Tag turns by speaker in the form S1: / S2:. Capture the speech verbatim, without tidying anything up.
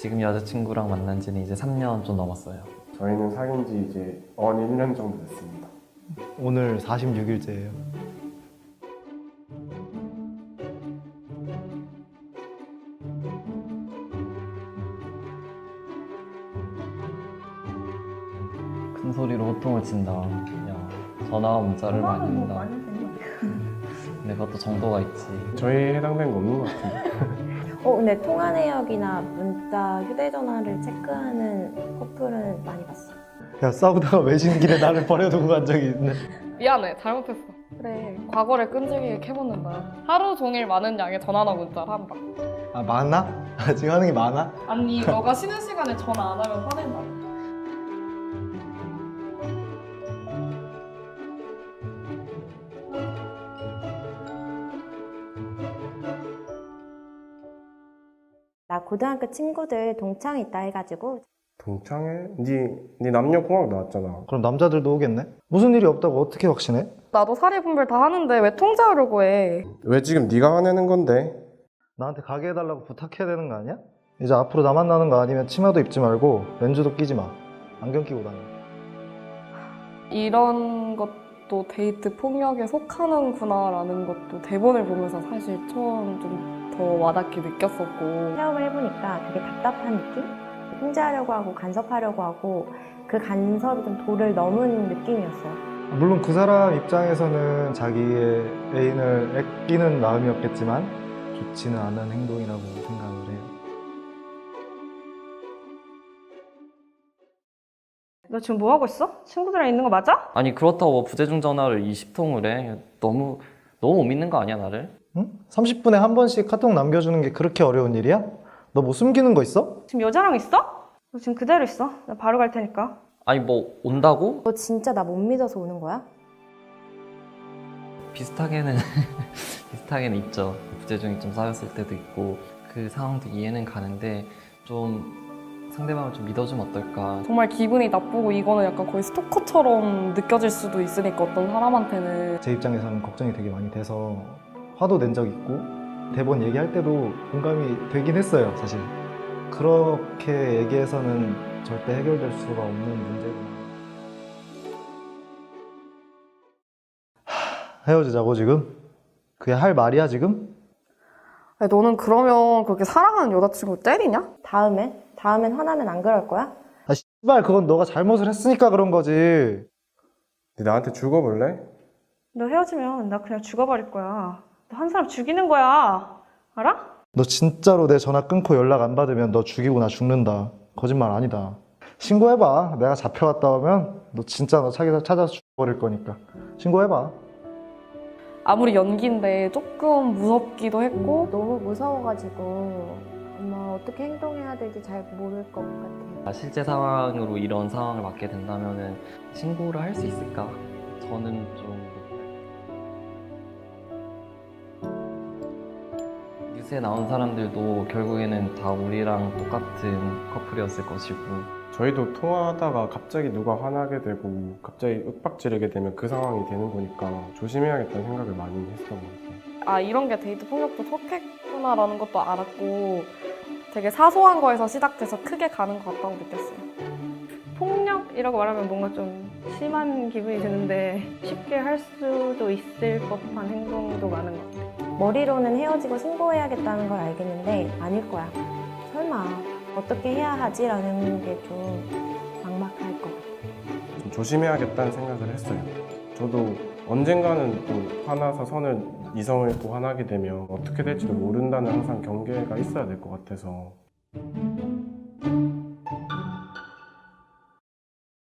S1: 지금 여자친구랑 만난 지는 이제 삼 년 좀 넘었어요.
S2: 저희는 사귄 지 이제 언 일 년 정도 됐습니다.
S3: 오늘 사십육 일째예요.
S1: 큰 소리로 호통을 친다. 야, 전화와 문자를 많이 한다. 근데 그것도 정도가 있지.
S2: 저희 해당된 거 없는 것 같은데.
S4: 어, 근데 통화 내역이나 문자, 휴대전화를 체크하는 커플은 많이 봤어.
S3: 야, 싸우다가 외진 길에 나를 버려두고 간 적이 있네.
S5: 미안해, 잘못했어. 그래, 과거를 끈질기게 캐묻는다. 하루 종일 많은 양의 전화나 문자를 한다.
S3: 아, 많아? 아, 지금 하는 게 많아?
S5: 아니, 너가 쉬는 시간에 전화 안 하면 화낸다.
S4: 나 고등학교 친구들 동창 있다 해가지고
S2: 동창회? 네, 네 남녀공학 나왔잖아.
S3: 그럼 남자들도 오겠네? 무슨 일이 없다고 어떻게 확신해?
S5: 나도 사리 분별 다 하는데 왜 통제하려고 해?
S2: 왜 지금 네가 화내는 건데?
S3: 나한테 가게 해달라고 부탁해야 되는 거 아니야? 이제 앞으로 나 만나는 거 아니면 치마도 입지 말고 렌즈도 끼지 마. 안경 끼고 다녀.
S5: 이런 것도 데이트 폭력에 속하는구나 라는 것도 대본을 보면서 사실 처음 좀 더 와닿게 느꼈었고.
S4: 체험을 해보니까 되게 답답한 느낌? 통제하려고 하고 간섭하려고 하고 그 간섭이 좀 도를 넘은 느낌이었어요.
S3: 물론 그 사람 입장에서는 자기의 애인을 아끼는 마음이었겠지만 좋지는 않은 행동이라고 생각을 해요.
S6: 너 지금 뭐 하고 있어? 친구들이랑 있는 거 맞아?
S1: 아니 그렇다고 뭐 부재중 전화를 이십 통을 해. 너무 너무 못 믿는 거 아니야 나를?
S3: 응? 삼십 분에 한 번씩 카톡 남겨주는 게 그렇게 어려운 일이야? 너 뭐 숨기는 거 있어?
S6: 지금 여자랑 있어? 너 지금 그대로 있어. 나 바로 갈 테니까.
S1: 아니 뭐 온다고?
S4: 너 진짜 나 못 믿어서 오는 거야?
S1: 비슷하게는 비슷하게는 있죠. 부재중이 좀 쌓였을 때도 있고 그 상황도 이해는 가는데 좀 상대방을 좀 믿어주면 어떨까.
S5: 정말 기분이 나쁘고 이거는 약간 거의 스토커처럼 느껴질 수도 있으니까 어떤 사람한테는.
S3: 제 입장에서는 걱정이 되게 많이 돼서 화도 낸 적 있고 대본 얘기할 때도 공감이 되긴 했어요, 사실. 그렇게 얘기해서는 절대 해결될 수가 없는 문제구나. 하, 헤어지자고 지금? 그게 할 말이야 지금?
S5: 아니, 너는 그러면 그렇게 사랑하는 여자친구 때리냐?
S4: 다음엔? 다음엔 화나면 안 그럴 거야?
S3: 아 씨발 그건 너가 잘못을 했으니까 그런 거지.
S2: 네 나한테 죽어볼래?
S6: 너 헤어지면 나 그냥 죽어버릴 거야. 너 한 사람 죽이는 거야. 알아?
S3: 너 진짜로 내 전화 끊고 연락 안 받으면 너 죽이고 나 죽는다. 거짓말 아니다. 신고해봐. 내가 잡혀갔다 오면 너 진짜 너 찾아, 찾아서 죽어버릴 거니까. 신고해봐.
S5: 아무리 연기인데 조금 무섭기도 했고
S4: 너무 무서워가지고 아마 어떻게 행동해야 될지 잘 모를 것 같아요.
S1: 실제 상황으로 이런 상황을 맞게 된다면은 신고를 할 수 있을까? 저는 좀 뉴스에 나온 사람들도 결국에는 다 우리랑 똑같은 커플이었을 것이고
S2: 저희도 통화하다가 갑자기 누가 화나게 되고 갑자기 윽박지르게 되면 그 상황이 되는 거니까 조심해야겠다는 생각을 많이 했었던 것 같아요.
S5: 아 이런 게 데이트 폭력도 속했구나라는 것도 알았고 되게 사소한 거에서 시작돼서 크게 가는 것 같다고 느꼈어요.
S6: 폭력이라고 말하면 뭔가 좀 심한 기분이 드는데 쉽게 할 수도 있을 법한 행동도 많은 것 같아.
S4: 머리로는 헤어지고 신고해야겠다는 걸 알겠는데 아닐 거야. 설마 어떻게 해야 하지라는 게 좀 막막할 것 같아.
S2: 좀 조심해야겠다는 생각을 했어요. 저도 언젠가는 또 화나서 선을 이성을 또 화나게 되면 어떻게 될지도 모른다는 항상 경계가 있어야 될 것 같아서